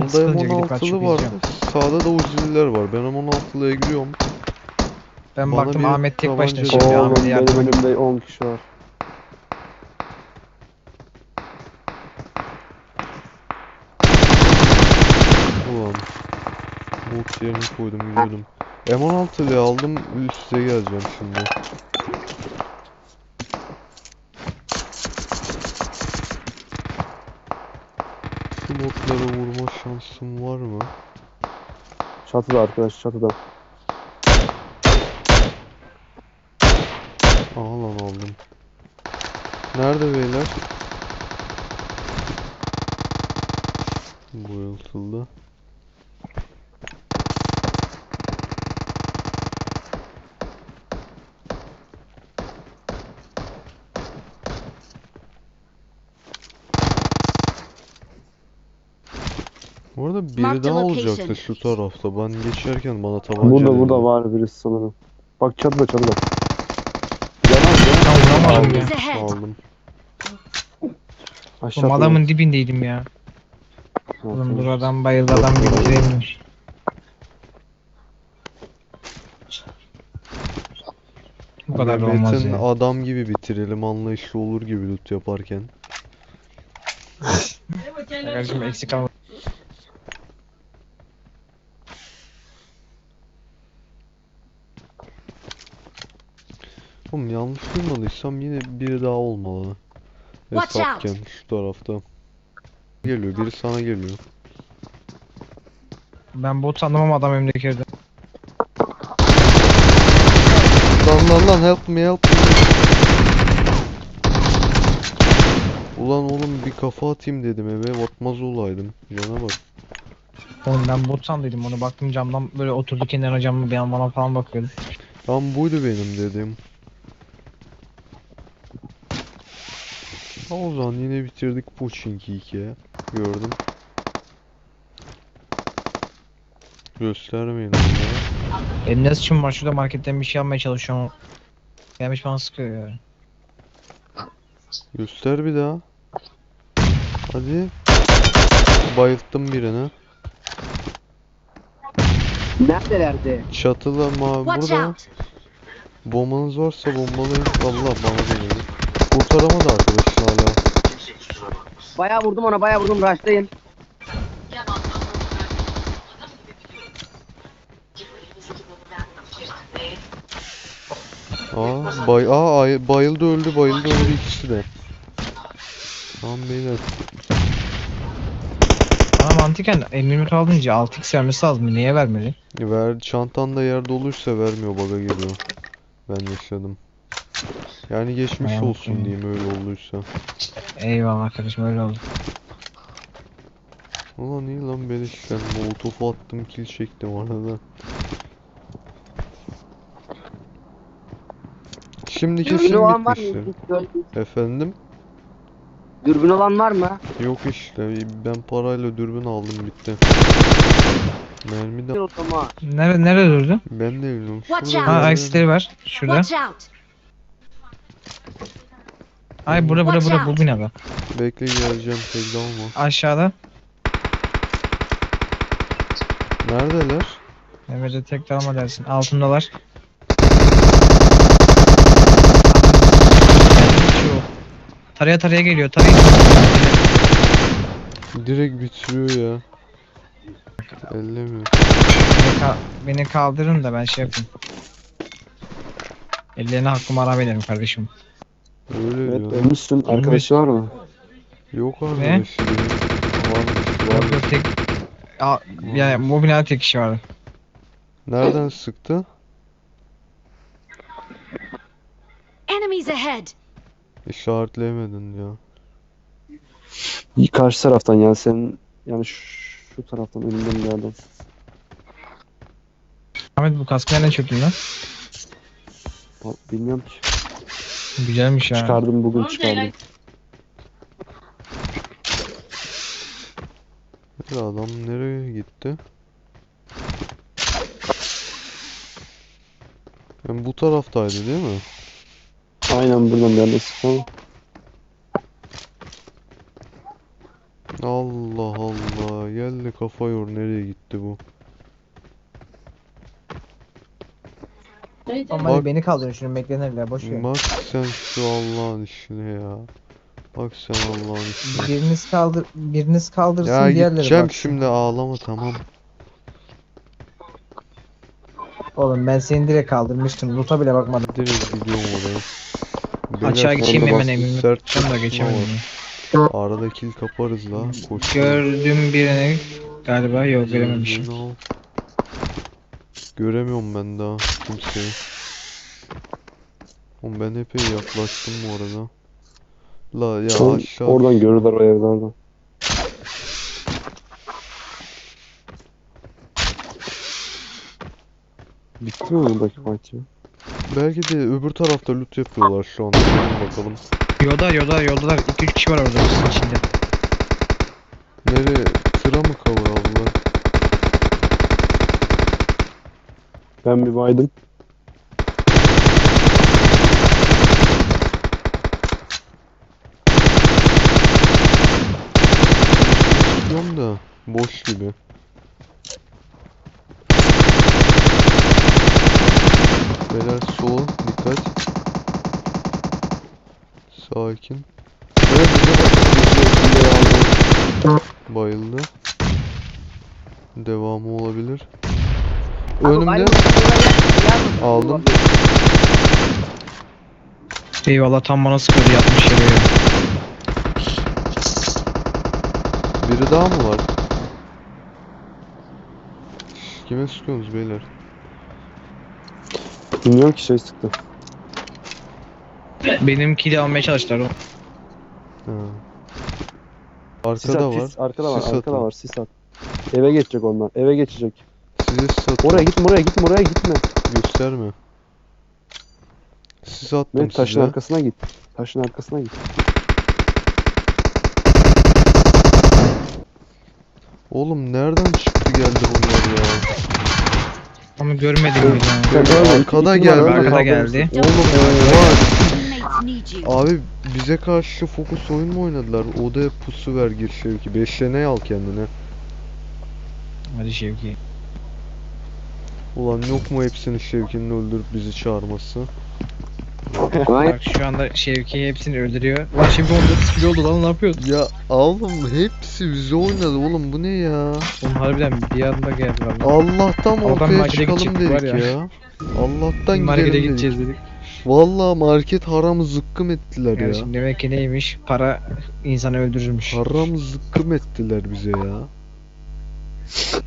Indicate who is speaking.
Speaker 1: Solda
Speaker 2: sıkılınca gidip
Speaker 1: M16'lı
Speaker 2: açıp
Speaker 1: var.
Speaker 2: izliyorum.
Speaker 1: Sağda da Uzi'liler var. Ben M16'lıya giriyorum.
Speaker 2: Ben
Speaker 1: Bana
Speaker 2: baktım
Speaker 1: bir
Speaker 2: Ahmet tek başına
Speaker 1: tabanca
Speaker 2: şimdi.
Speaker 1: lazım.
Speaker 2: Ahmet'e
Speaker 3: Oğlum benim
Speaker 2: yardıma gitti.
Speaker 3: önümde 10 kişi var.
Speaker 1: Ulan. Bolt yerine koydum gidiyordum. M16'lıyı aldım. Üste geleceğim şimdi. Şu botlara vurma şansım var mı?
Speaker 3: Çatıda arkadaş, çatıda.
Speaker 1: Aha lan aldım. Nerede beyler? Bu yıltıldı. Bu arada biri
Speaker 4: Mark the
Speaker 1: daha
Speaker 4: location.
Speaker 1: olacaktı şu tarafta. Ben geçerken bana tabanca
Speaker 3: Burada
Speaker 1: dediler.
Speaker 3: var birisi sanırım. Bak çatıda, çatıda. Yalan ya.
Speaker 2: Tam vuramadım ya.
Speaker 4: Enemies ahead.
Speaker 1: Aldım.
Speaker 3: Aşağı
Speaker 2: Oğlum adamın dibindeydim ya.
Speaker 3: atladı.
Speaker 2: Oğlum dur adam bayıldı adam bitireyim. Bu kadar da olmaz
Speaker 1: Mehmet'in
Speaker 2: ya.
Speaker 1: adam gibi bitirelim anlayışlı olur gibi loot yaparken.
Speaker 2: Kardeşim eksik alma.
Speaker 1: Oğlum yanlış duymadıysam yine biri daha olmalı.
Speaker 4: Watch out.
Speaker 1: Hesapken şu tarafta. Geliyor biri sana geliyor.
Speaker 2: Ben bot sandım ama adam önümdeki yerde.
Speaker 1: Lan help me help me. Ulan oğlum bir kafa atayım dedim eve atmaz olaydım. Cana bak.
Speaker 2: Oğlum ben bot sandıydım onu baktım camdan böyle oturdu kenara camı bir an bana falan bakıyordu.
Speaker 1: Tam buydu benim dedim. Ha, o zaman yine bitirdik Pochinki 2'ye. Gördüm. Göstermeyin onlara.
Speaker 2: Elimde sıçım var şurada marketten bir şey almaya çalışıyorum. Gelmiş bana sıkıyor ya.
Speaker 1: Göster bir daha. Hadi. Bayılttım birini.
Speaker 5: Neredelerdi?
Speaker 1: Çatıda
Speaker 4: Watch
Speaker 1: burada.
Speaker 4: out.
Speaker 1: Bombanız varsa bombalayın. Allah bana geliyor. Kurtaramadı arkadaşın hala.
Speaker 5: Bayağı vurdum ona, bayağı vurdum. Rush'tayım.
Speaker 1: Bayıldı öldü ikisi de. Tamam beyler.
Speaker 2: Bana mantıken M24 alınca 6x vermesi lazım. Niye vermedi?
Speaker 1: Çantanda yer doluysa vermiyor baga geliyor. Ben yaşadım. Yani geçmiş
Speaker 2: Ayağım
Speaker 1: olsun
Speaker 2: kayıyor.
Speaker 1: diyeyim öyle olduysa.
Speaker 2: Eyvallah kardeşim öyle oldu.
Speaker 1: Ulan iyi lan beleş ben molotof attım kill çektim arada. Şimdi
Speaker 5: Dürbün
Speaker 1: kesin
Speaker 5: olan var
Speaker 1: bitmiştir.
Speaker 5: mı?
Speaker 1: Efendim?
Speaker 5: Dürbün olan var mı?
Speaker 1: Yok işte ben parayla dürbün aldım bitti. Mermi de
Speaker 5: O zaman.
Speaker 2: Nerede durdu?
Speaker 1: ben de bilmiyorum.
Speaker 4: Watch
Speaker 1: Şurada
Speaker 4: out.
Speaker 2: Ha
Speaker 1: bir yerde-
Speaker 2: aksileri var. Şurada.
Speaker 4: Watch out.
Speaker 2: Ay burada
Speaker 4: Watch
Speaker 2: bu
Speaker 4: out.
Speaker 2: binada.
Speaker 1: Bekle geleceğim tek dalma.
Speaker 2: Aşağıda.
Speaker 1: Neredeler?
Speaker 2: Mehmet'e tek dalma dersin. Altındalar. Şu. Taraya geliyor.
Speaker 1: Direkt bitiriyor ya. Ellemiyor.
Speaker 2: Beni kaldırın da ben şey yapayım. Ellerine hakkımı haram ederim kardeşim.
Speaker 1: Öyle
Speaker 3: Evet,
Speaker 1: diyor.
Speaker 3: ölmüşsün. Arkadaşı var mı?
Speaker 1: Yok arkadaş. Varmış.
Speaker 2: Yok tek... Yani bu binada tek kişi vardı.
Speaker 1: Nereden sıktı?
Speaker 4: Enemies ahead.
Speaker 1: İşaretleyemedin ya.
Speaker 3: Karşı taraftan yani senin yani şu taraftan önünden bir yerden.
Speaker 2: Ahmet bu kaskı nereden çöktün lan?
Speaker 3: Bilmiyorum ki.
Speaker 2: Güzelmiş ya.
Speaker 3: Çıkardım bugün çıkardım.
Speaker 1: Ya adam nereye gitti? Yani bu taraftaydı değil mi?
Speaker 3: Aynen buradan bir yerden sıktım.
Speaker 1: Allah Allah. Geldi kafa yor. Nereye gitti bu?
Speaker 2: Ama
Speaker 1: Bak-
Speaker 2: hadi beni kaldırın şunu beklenirler boş ver.
Speaker 1: Bak sen şu Allah'ın işine ya. Bak sen Allah'ın işine.
Speaker 2: Biriniz kaldırsın
Speaker 1: Ya
Speaker 2: diğerleri
Speaker 1: gideceğim
Speaker 2: baksın.
Speaker 1: şimdi, ağlama tamam.
Speaker 2: Oğlum ben seni direkt kaldırmıştım. Loot'a bile bakmadım.
Speaker 1: Direkt gidiyorum oraya.
Speaker 2: Açığa
Speaker 1: Beyler,
Speaker 2: geçeyim
Speaker 1: orada
Speaker 2: hemen
Speaker 1: bastı,
Speaker 2: evimi.
Speaker 1: sert
Speaker 2: Tam da
Speaker 1: çatışma
Speaker 2: geçemedim.
Speaker 1: var. Arada kill kaparız la. Koş.
Speaker 2: Gördüm birini galiba yok görememişim.
Speaker 1: Gözünü al. Göremiyorum ben daha kimseyi. Oğlum ben epey yaklaştım bu arada. La ya aşağı.
Speaker 3: Oradan görürler o evlerden. Bitti mi buradaki fight ya?
Speaker 1: Belki de öbür tarafta loot yapıyorlar şu anda. Gelin bakalım.
Speaker 2: Yoldalar. 2-3 kişi var orada sizin içinde.
Speaker 1: Nereye? Tıra mı cover aldılar?
Speaker 3: Ben bir baydım.
Speaker 1: Diyorum da boş gibi. Beyler sola dikkat. Sakin. Evet, bize bak. Bayıldı. Devamı olabilir.
Speaker 5: Abi,
Speaker 1: Önümde.
Speaker 5: bayram oraya gel.
Speaker 1: Aldım.
Speaker 2: Eyvallah tam bana sıkıyordu yapmış yere ya.
Speaker 1: Biri daha mı var? Kime sıkıyorsunuz beyler?
Speaker 3: Bilmiyorum ki şey sıktı.
Speaker 2: Benimki de almaya çalıştılar o.
Speaker 1: Ha.
Speaker 3: Sis
Speaker 1: Arkada
Speaker 3: at,
Speaker 1: var.
Speaker 3: sis. Arkada var,
Speaker 1: Sis
Speaker 3: arkada
Speaker 1: atın.
Speaker 3: var, sis at. Eve geçecek onlar, eve geçecek.
Speaker 1: Size sis attım.
Speaker 3: Oraya gitme, oraya gitme.
Speaker 1: Gösterme. Sis attım
Speaker 3: Ve taşın
Speaker 1: size.
Speaker 3: arkasına git. Taşın arkasına git.
Speaker 1: Oğlum nereden çıktı geldi bunlar ya?
Speaker 2: Ama görmedim
Speaker 3: Sen-
Speaker 2: bile.
Speaker 3: sen ölme,
Speaker 1: Arkada
Speaker 3: iki numara,
Speaker 1: geldi.
Speaker 3: ben
Speaker 2: Arkada
Speaker 3: kaldırırsın.
Speaker 2: geldi.
Speaker 4: Don't
Speaker 1: Oğlum
Speaker 4: worry.
Speaker 1: var.
Speaker 4: Teammates need you.
Speaker 1: Abi bize karşı fokus oyun mu oynadılar? Odaya pusu ver gir Şevki. Beşlene al kendine.
Speaker 2: Hadi Şevki.
Speaker 1: Ulan yok mu hepsini Şevki'nin öldürüp bizi çağırması?
Speaker 5: Aynen.
Speaker 2: Bak şu anda Şevki hepsini öldürüyor. Lan Şevki 14 kilo oldu lan ne yapıyorsun?
Speaker 1: Ya oğlum hepsi bize oynadı oğlum, bu ne ya?
Speaker 2: Oğlum harbiden bir anda geldi valla.
Speaker 1: Allah'tan
Speaker 2: Oradan
Speaker 1: ortaya
Speaker 2: markete
Speaker 1: çıkalım
Speaker 2: gidecektik var
Speaker 1: dedik
Speaker 2: ya.
Speaker 1: ya. Allah'tan
Speaker 2: Markete
Speaker 1: gidelim dedik.
Speaker 2: gideceğiz dedik.
Speaker 1: Vallahi market haram zıkkım ettiler ya.
Speaker 2: Kardeşim demek ki neymiş? Para insanı öldürürmüş.
Speaker 1: Haram zıkkım ettiler bize ya.